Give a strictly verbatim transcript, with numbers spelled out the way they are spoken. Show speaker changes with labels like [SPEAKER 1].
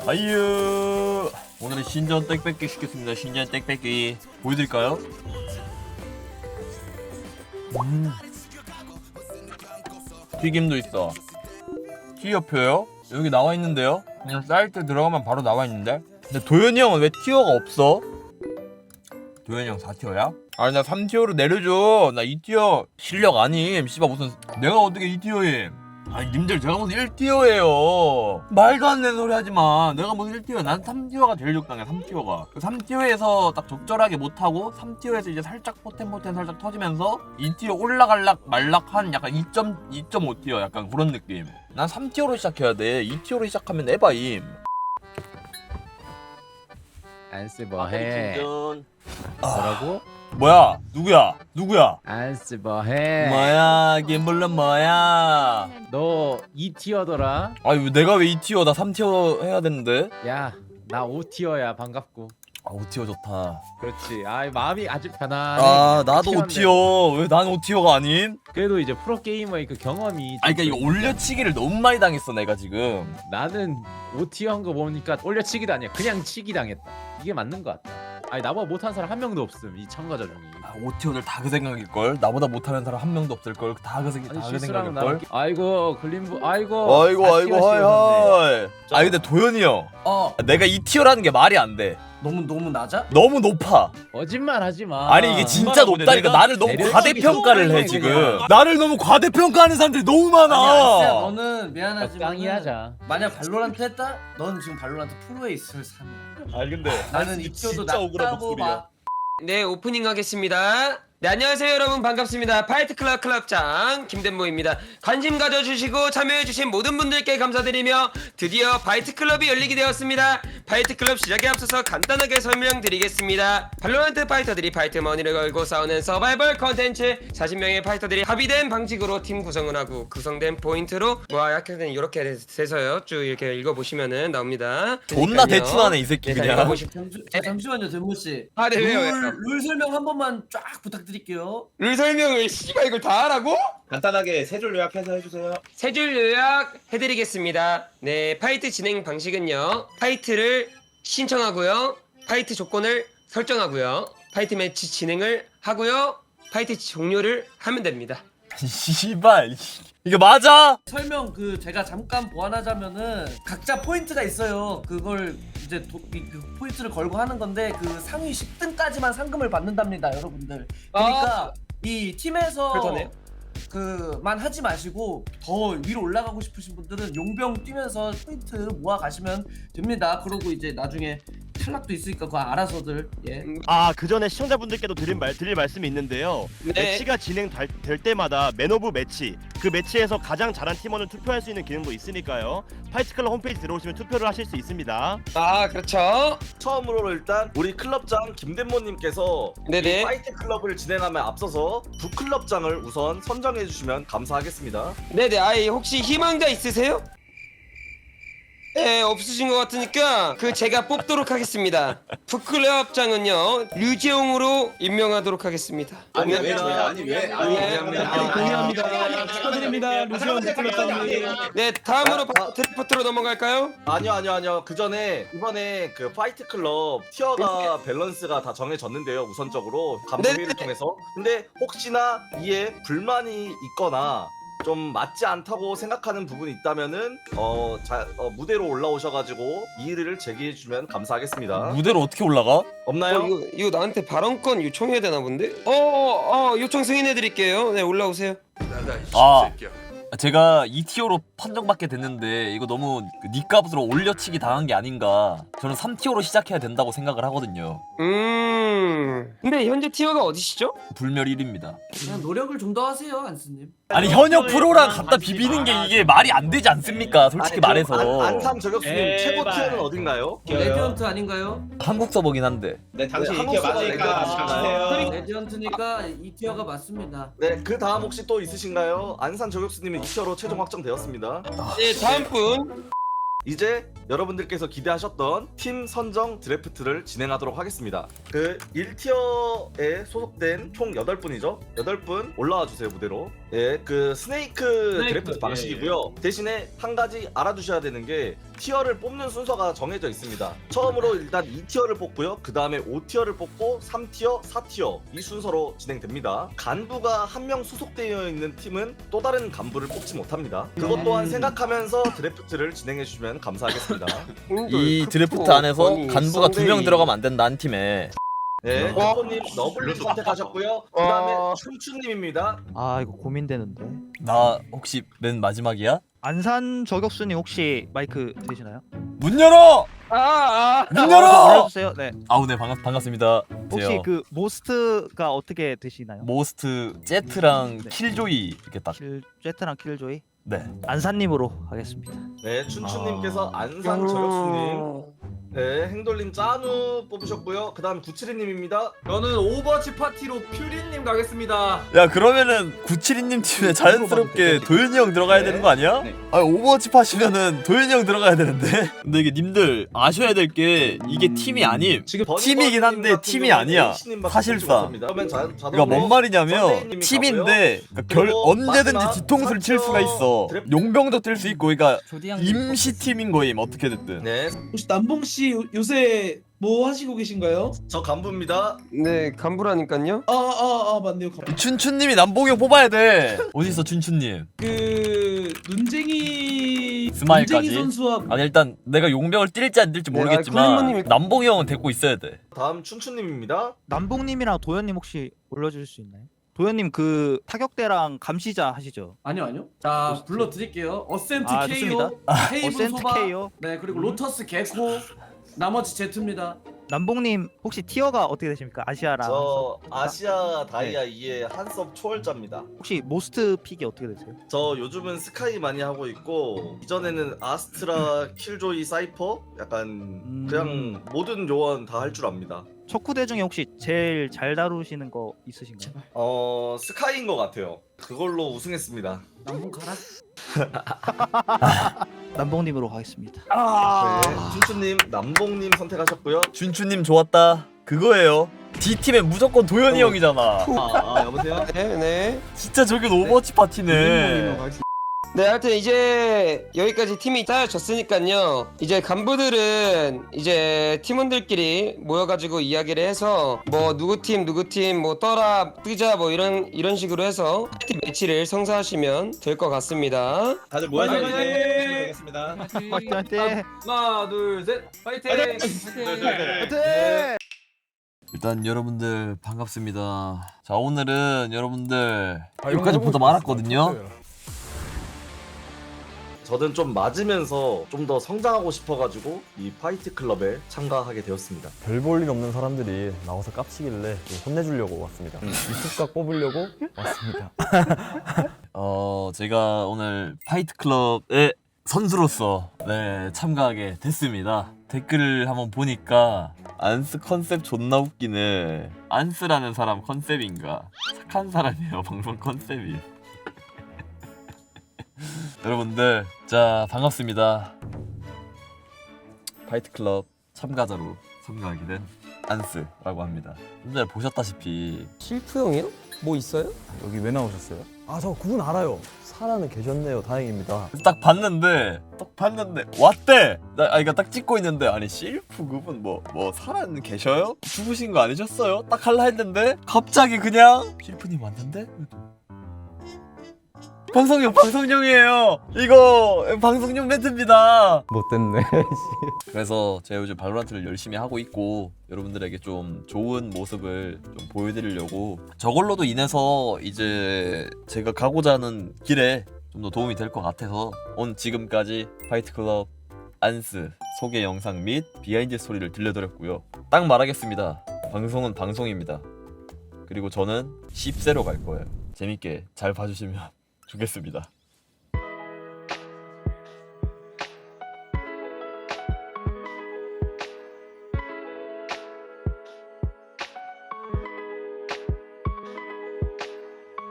[SPEAKER 1] 아유, 오늘은 신전 땡뺏기 시켰습니다. 신전 땡뺏기 보여드릴까요? 음. 튀김도 있어. 티어표요? 여기 나와 있는데요? 그냥 사이트 들어가면 바로 나와 있는데? 근데 도현이 형은 왜 티어가 없어? 도현이 형 사 티어야? 아니 나 삼 티어로 내려줘. 나 이 티어 실력 아님. 씨발 무슨 내가 어떻게 이 티어임? 아니 님들 제가 무슨 일 티어예요. 말도 안 되는 소리 하지마. 내가 무슨 일 티어야. 난 삼 티어가 제일 적당해. 삼 티어가 삼 티어에서 딱 적절하게 못하고 삼 티어에서 이제 살짝 포텐포텐 살짝 터지면서 이 티어 올라갈락 말락한 약간 이 점 오 티어 약간 그런 느낌. 난 삼 티어로 시작해야 돼. 이 티어로 시작하면 에바임.
[SPEAKER 2] 안쓰 뭐해? 뭐라고?
[SPEAKER 1] 뭐야? 누구야? 누구야?
[SPEAKER 2] 안쓰 뭐해?
[SPEAKER 1] 뭐야? 김블런 뭐야?
[SPEAKER 2] 너 이 티어더라?
[SPEAKER 1] 아니 왜 내가 왜 이 티어 나 삼 티어 해야 되는데?
[SPEAKER 2] 야, 나 오 티어야. 반갑고.
[SPEAKER 1] 아 오 티어 좋다.
[SPEAKER 2] 그렇지. 아, 마음이 아주 편안해.
[SPEAKER 1] 아 나도
[SPEAKER 2] 티어인데.
[SPEAKER 1] 오 티어. 왜 난 오 티어가 아님?
[SPEAKER 2] 그래도 이제 프로 게이머의 그 경험이.
[SPEAKER 1] 아니 그러니까 이거 올려치기를 너무 많이 당했어 내가 지금.
[SPEAKER 2] 나는 오 티어 한 거 보니까 올려치기도 아니야. 그냥 치기 당했다. 이게 맞는 것 같다. 아니 나보다 못한 사람 한 명도 없음 이 참가자 중에.
[SPEAKER 1] 아, 오 티어들 다 그 생각일걸. 나보다 못하는 사람 한 명도 없을걸. 다 그 생각
[SPEAKER 2] 아니
[SPEAKER 1] 다그
[SPEAKER 2] 실수랑
[SPEAKER 1] 생각일걸.
[SPEAKER 2] 나. 아이고 글림부. 아이고.
[SPEAKER 1] 아이고
[SPEAKER 2] 사
[SPEAKER 1] 아이고
[SPEAKER 2] 티어
[SPEAKER 1] 하이
[SPEAKER 2] 씌웠네.
[SPEAKER 1] 하이. 아 근데 도현이 형.
[SPEAKER 3] 어
[SPEAKER 1] 내가 이 티어라는 게 말이 안 돼.
[SPEAKER 3] 너무 너무 낮아?
[SPEAKER 1] 너무 높아.
[SPEAKER 2] 거짓말 하지 마.
[SPEAKER 1] 아니 이게 진짜
[SPEAKER 2] 거짓말하고
[SPEAKER 1] 높다니까.
[SPEAKER 2] 내가
[SPEAKER 1] 나를 너무
[SPEAKER 2] 내려치기
[SPEAKER 1] 과대평가를 해
[SPEAKER 2] 또
[SPEAKER 1] 지금.
[SPEAKER 2] 그냥.
[SPEAKER 1] 나를 너무 과대평가하는 사람들이 너무
[SPEAKER 3] 아니 아스야
[SPEAKER 1] 많아.
[SPEAKER 3] 너는 미안하지만
[SPEAKER 2] 적당히 하자.
[SPEAKER 3] 만약 발로란트 했다? 넌 지금 발로란트 프로에 있을 삶이야.
[SPEAKER 1] 아니 근데
[SPEAKER 3] 나는 이 티어도 낮다고 봐.
[SPEAKER 4] 네, 오프닝 하겠습니다. 네, 안녕하세요 여러분, 반갑습니다. 파이트클럽 클럽장 김덴모입니다. 관심 가져주시고 참여해주신 모든 분들께 감사드리며 드디어 파이트클럽이 열리게 되었습니다. 파이트클럽 시작에 앞서서 간단하게 설명드리겠습니다. 발로란트 파이터들이 파이트 머니를 걸고 싸우는 서바이벌 컨텐츠. 사십 명의 파이터들이 합의된 방식으로 팀 구성을 하고 구성된 포인트로 뭐 약간 이렇게 돼서요 쭉 이렇게 읽어보시면은 나옵니다.
[SPEAKER 1] 존나
[SPEAKER 4] 그러니까요.
[SPEAKER 1] 대충하네 이 새끼
[SPEAKER 4] 네, 잘
[SPEAKER 1] 그냥.
[SPEAKER 4] 읽어보시-
[SPEAKER 3] 잠시, 자, 잠시만요 den모 씨.
[SPEAKER 4] 아, 네, 왜요, 왜요?
[SPEAKER 3] 룰, 룰 설명 한 번만 쫙 부탁드릴게요.
[SPEAKER 4] 룰 설명을 씨발 이걸 다 하라고?
[SPEAKER 5] 간단하게 세 줄 요약해서 해주세요.
[SPEAKER 4] 세 줄 요약 해드리겠습니다. 네, 파이트 진행 방식은요. 파이트를 신청하고요. 파이트 조건을 설정하고요. 파이트 매치 진행을 하고요. 파이트 종료를 하면 됩니다.
[SPEAKER 1] 씨발 이거 맞아?
[SPEAKER 3] 설명 그 제가 잠깐 보완하자면은 각자 포인트가 있어요. 그걸 이제 도, 이, 그 포인트를 걸고 하는 건데 그 상위 십 등까지만 상금을 받는답니다, 여러분들. 그러니까 이 팀에서
[SPEAKER 4] 그렇다네요.
[SPEAKER 3] 그만 하지 마시고 더 위로 올라가고 싶으신 분들은 용병 뛰면서 포인트 모아 가시면 됩니다. 그러고 이제 나중에 탈락도 있으니까 그거 알아서들 예.
[SPEAKER 6] 아, 그 전에 시청자분들께도 드릴 말 드릴 말씀이 있는데요.
[SPEAKER 4] 네.
[SPEAKER 6] 매치가 진행될 때마다 맨 오브 매치, 그 매치에서 가장 잘한 팀원을 투표할 수 있는 기능도 있으니까요. 파이트클럽 홈페이지 들어오시면 투표를 하실 수 있습니다.
[SPEAKER 4] 아, 그렇죠.
[SPEAKER 5] 처음으로 일단 우리 클럽장 김덴모님께서
[SPEAKER 4] 네네.
[SPEAKER 5] 이 파이트 클럽을 진행하면 앞서서 부 클럽장을 우선 선정해 주시면 감사하겠습니다.
[SPEAKER 4] 네네. 아이, 혹시 희망자 있으세요? 네, 없으신 것 같으니까 그 제가 뽑도록 하겠습니다. 북클럽장은요 류지용으로 임명하도록 하겠습니다.
[SPEAKER 5] 아니 왜 저야? 아니 왜? 아니
[SPEAKER 4] 아니,
[SPEAKER 5] 동의합니다.
[SPEAKER 6] 축하드립니다. 루시온
[SPEAKER 4] 네, 다음으로 바- 드래프트로 넘어갈까요?
[SPEAKER 5] 아니요 아니요 아니요. 그 전에 이번에 그 파이트 클럽 티어가 밸런스가 다 정해졌는데요. 우선적으로 감사 회의를
[SPEAKER 4] 네네.
[SPEAKER 5] 통해서. 근데 혹시나 이에 불만이 있거나 좀 맞지 않다고 생각하는 부분이 있다면은 어, 자, 어 무대로 올라오셔가지고 이의를 제기해 주면 감사하겠습니다.
[SPEAKER 1] 무대로 어떻게 올라가?
[SPEAKER 5] 없나요?
[SPEAKER 4] 어, 이거, 이거 나한테 발언권 요청해야 되나 본데? 어, 어, 어 요청 승인해드릴게요. 네, 올라오세요.
[SPEAKER 1] 아 제가 이 티어로 판정받게 됐는데 이거 너무 그 닉값으로 올려치기 당한 게 아닌가. 저는 삼 티어로 시작해야 된다고 생각을 하거든요.
[SPEAKER 4] 음. 근데 현재 티어가 어디시죠?
[SPEAKER 1] 불멸 일 위입니다.
[SPEAKER 3] 그냥 노력을 좀 더 하세요, 안스님.
[SPEAKER 1] 아니 현역 프로랑 갖다 비비는 게 이게 말이 안 되지 않습니까? 솔직히
[SPEAKER 5] 아니,
[SPEAKER 1] 말해서.
[SPEAKER 5] 그럼 안, 안삼 저격수님 최고 티어는 어딘가요?
[SPEAKER 3] 레디언트 아닌가요?
[SPEAKER 1] 한국 서버긴 한데.
[SPEAKER 5] 네, 당신 이 티어 맞으니까
[SPEAKER 3] 레디언트니까 이 티어가 맞습니다.
[SPEAKER 5] 네, 그 다음 혹시 또 있으신가요? 안산 저격수님은 이 티어로 최종 확정되었습니다.
[SPEAKER 4] 네, 다음 분.
[SPEAKER 5] 이제 여러분들께서 기대하셨던 팀 선정 드래프트를 진행하도록 하겠습니다. 그 일 티어에 소속된 총 여덟 분이죠? 여덟 분 올라와 주세요, 무대로. 예, 그 스네이크,
[SPEAKER 3] 스네이크,
[SPEAKER 5] 드래프트
[SPEAKER 3] 예,
[SPEAKER 5] 방식이고요. 대신에 한 가지 알아두셔야 되는 게 티어를 뽑는 순서가 정해져 있습니다. 처음으로 일단 이 티어를 뽑고요. 그 다음에 오 티어를 뽑고 삼 티어, 사 티어 이 순서로 진행됩니다. 간부가 한 명 소속되어 있는 팀은 또 다른 간부를 뽑지 못합니다. 그것 또한 생각하면서 드래프트를 진행해 주시면 감사하겠습니다.
[SPEAKER 1] 이 드래프트 안에서 간부가 두 명 들어가면 안 된다 한 팀에.
[SPEAKER 5] 네,
[SPEAKER 6] 어?
[SPEAKER 5] 님 너블님 선택하셨고요. 그 다음에
[SPEAKER 6] 어.
[SPEAKER 5] 춘추님입니다.
[SPEAKER 7] 아 이거 고민되는데.
[SPEAKER 1] 나 혹시 맨 마지막이야?
[SPEAKER 7] 안산 저격수님 혹시 마이크 되시나요?
[SPEAKER 1] 문 열어!
[SPEAKER 6] 아,
[SPEAKER 1] 문 열어!
[SPEAKER 7] 불러주세요. 네.
[SPEAKER 1] 아우 네 반갑 반갑습니다.
[SPEAKER 7] 혹시
[SPEAKER 1] 제요.
[SPEAKER 7] 그 모스트가 어떻게 되시나요?
[SPEAKER 1] 모스트 제트랑
[SPEAKER 7] 네.
[SPEAKER 1] 킬조이 이렇게 딱.
[SPEAKER 7] 킬 제트랑 킬조이
[SPEAKER 1] 네.
[SPEAKER 7] 안산님으로 하겠습니다.
[SPEAKER 5] 네, 춘추님께서
[SPEAKER 1] 아.
[SPEAKER 5] 안산 저격수님. 네, 행돌님 짜누 뽑으셨고요. 그 다음 구칠이님입니다.
[SPEAKER 8] 저는 오버워치 파티로 퓨리님 가겠습니다.
[SPEAKER 1] 야 그러면은 구칠이님 팀에 자연스럽게 도현이 형 들어가야 되는 거 아니야?
[SPEAKER 8] 네.
[SPEAKER 1] 아 오버워치 파시면은 도현이 형 들어가야 되는데. 근데 이게 님들 아셔야 될 게 이게 팀이 아님.
[SPEAKER 8] 지금
[SPEAKER 1] 팀이긴 한데 팀이 아니야. 사실상.
[SPEAKER 5] 그러면 자, 자동으로
[SPEAKER 1] 그러니까 뭔 말이냐면
[SPEAKER 5] 선생님이
[SPEAKER 1] 팀인데 그러니까 결
[SPEAKER 5] 그리고
[SPEAKER 1] 언제든지
[SPEAKER 5] 마지막
[SPEAKER 1] 뒤통수를 칠 수가 있어.
[SPEAKER 5] 드래프트.
[SPEAKER 1] 용병도 뛸 수 있고 그러니까 임시 팀인 거임 어떻게 됐든.
[SPEAKER 5] 네,
[SPEAKER 9] 혹시 남봉 씨 요- 요새 뭐 하시고 계신가요?
[SPEAKER 5] 저 간부입니다.
[SPEAKER 4] 네, 간부라니까요.
[SPEAKER 9] 아 아 아 맞네요. 가-
[SPEAKER 1] 춘춘님이 남봉이 형 뽑아야 돼. 어디 있어 춘춘님?
[SPEAKER 9] 그 눈쟁이
[SPEAKER 1] 스마일까지?
[SPEAKER 9] 눈쟁이 선수와
[SPEAKER 1] 아니 일단 내가 용병을 뛸지 안 뛸지
[SPEAKER 4] 네,
[SPEAKER 1] 모르겠지만
[SPEAKER 4] 아니, 클리모님이-
[SPEAKER 1] 남봉이 형은 데리고 있어야 돼.
[SPEAKER 5] 다음 춘추님입니다.
[SPEAKER 7] 남봉님이랑 도현님 혹시 올려주실 수 있나요? 도현님 그 타격대랑 감시자 하시죠?
[SPEAKER 3] 아니요 아니요. 자 불러드릴게요. 어센트
[SPEAKER 7] 아,
[SPEAKER 3] 케이오,
[SPEAKER 7] 좋습니다.
[SPEAKER 3] 헤이븐
[SPEAKER 7] 어센트
[SPEAKER 3] 소바,
[SPEAKER 7] 케이오.
[SPEAKER 3] 네 그리고 로터스 개코, 나머지 제트입니다.
[SPEAKER 7] 남봉님 혹시 티어가 어떻게 되십니까? 아시아랑
[SPEAKER 5] 저
[SPEAKER 7] 한섭?
[SPEAKER 5] 아시아 다이아 이의 한섭 초월자입니다.
[SPEAKER 7] 혹시 모스트 픽이 어떻게 되세요?
[SPEAKER 5] 저 요즘은 스카이 많이 하고 있고 이전에는 아스트라, 킬조이, 사이퍼 약간
[SPEAKER 7] 음.
[SPEAKER 5] 그냥 모든 요원 다 할 줄 압니다.
[SPEAKER 7] 척후대 중에 혹시 제일 잘 다루시는 거 있으신가요?
[SPEAKER 5] 어 스카이인 것 같아요. 그걸로 우승했습니다.
[SPEAKER 3] 남봉 가라.
[SPEAKER 7] 남봉님으로 가겠습니다.
[SPEAKER 5] 네, 춘추님, 남봉님 선택하셨고요.
[SPEAKER 1] 춘춘님 좋았다. 그거예요. D 팀에 무조건 도현이 형이잖아.
[SPEAKER 5] 아, 아 여보세요?
[SPEAKER 4] 네, 네.
[SPEAKER 1] 진짜 저긴 오버워치 파티네.
[SPEAKER 4] 네, 하여튼 이제 여기까지 팀이 짜여졌으니까요. 이제 간부들은 이제 팀원들끼리 모여가지고 이야기를 해서 뭐 누구 팀 누구 팀 뭐 떠라 뜨자 뭐 이런 이런 식으로 해서 팀 매치를 성사하시면 될 것 같습니다.
[SPEAKER 5] 다들
[SPEAKER 8] 모여서
[SPEAKER 5] 모여서
[SPEAKER 8] 이제
[SPEAKER 5] 이제
[SPEAKER 8] 되겠습니다.
[SPEAKER 7] 화이팅!
[SPEAKER 8] 하나, 둘, 셋, 파이팅!
[SPEAKER 7] 화이팅!
[SPEAKER 1] 일단 여러분들 반갑습니다. 자 오늘은 여러분들 여기까지 보다 많았거든요.
[SPEAKER 5] 저는 좀 맞으면서 좀 더 성장하고 싶어가지고 이 파이트 클럽에 참가하게 되었습니다.
[SPEAKER 10] 별 볼 일 없는 사람들이 나와서 깝치길래 좀 혼내주려고 왔습니다. 유튜브각 뽑으려고 왔습니다.
[SPEAKER 1] 어 제가 오늘 파이트 클럽의 선수로서 네 참가하게 됐습니다. 댓글을 한번 보니까 안스 컨셉 존나 웃기네. 안스라는 사람 컨셉인가? 착한 사람이에요 방송 컨셉이. 여러분들 자 반갑습니다. 파이트 클럽 참가자로 참가하게 된 안스라고 합니다. 좀 전에 보셨다시피
[SPEAKER 4] 실프 형이요? 뭐 있어요?
[SPEAKER 10] 여기 왜 나오셨어요? 아 저 그분 알아요. 살아는 계셨네요. 다행입니다.
[SPEAKER 1] 딱 봤는데 딱 봤는데 왔대. 나 아 이거 딱 찍고 있는데 아니 실프 그분 뭐 뭐 살아 계셔요? 죽으신 거 아니셨어요? 딱 할라 했는데 갑자기 그냥 실프님 왔는데 방송용 방송용이에요. 이거 방송용 멘트입니다.
[SPEAKER 10] 못됐네.
[SPEAKER 1] 그래서 제가 요즘 발로란트를 열심히 하고 있고 여러분들에게 좀 좋은 모습을 좀 보여드리려고 저걸로도 인해서 이제 제가 가고자 하는 길에 좀 더 도움이 될 것 같아서 온 지금까지 파이트클럽 안스 소개 영상 및 비하인드 스토리를 들려드렸고요. 딱 말하겠습니다. 방송은 방송입니다. 그리고 저는 십세로 갈 거예요. 재밌게 잘 봐주시면 좋겠습니다.